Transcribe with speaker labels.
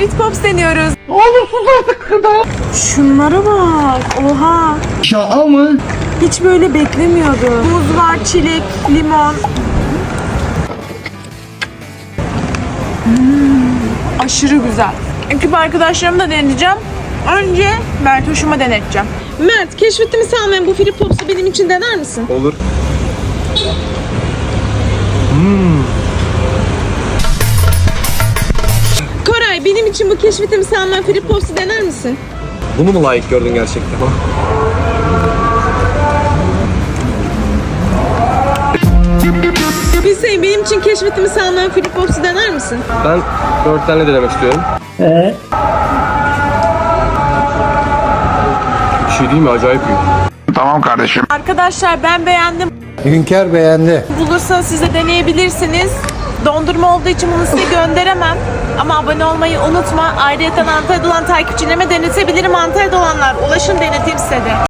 Speaker 1: Ferit Pops deniyoruz.
Speaker 2: Oğlum sus artık kadar.
Speaker 1: Şunlara bak. Oha.
Speaker 2: Şaka mı?
Speaker 1: Hiç böyle beklemiyordum. Muz var, çilek, limon. Aşırı güzel. Ekip arkadaşlarımı da deneyeceğim. Önce Mert hoşuma deneteceğim. Mert, keşfetimi salmayan bu Ferit Pops'u benim için dener misin?
Speaker 3: Olur.
Speaker 1: Koray, benim için bu keşfetimi salmayan Ferit Pops'u dener misin?
Speaker 3: Bunu mu layık gördün gerçekten?
Speaker 1: Hüseyin, benim için keşfetimi salmayan Ferit Pops'u dener misin?
Speaker 3: Ben 4 tane denemek istiyorum. Bir şey değil mi? Acayip iyi.
Speaker 2: Tamam kardeşim.
Speaker 1: Arkadaşlar ben beğendim.
Speaker 4: Hünkar beğendi.
Speaker 1: Bulursanız siz de deneyebilirsiniz. Dondurma olduğu için bunu size gönderemem. Ama abone olmayı unutma. Ayrıca Antalya'da olan takipçilerime denetebilirim. Antalya'da olanlar ulaşın, deneteyim size de.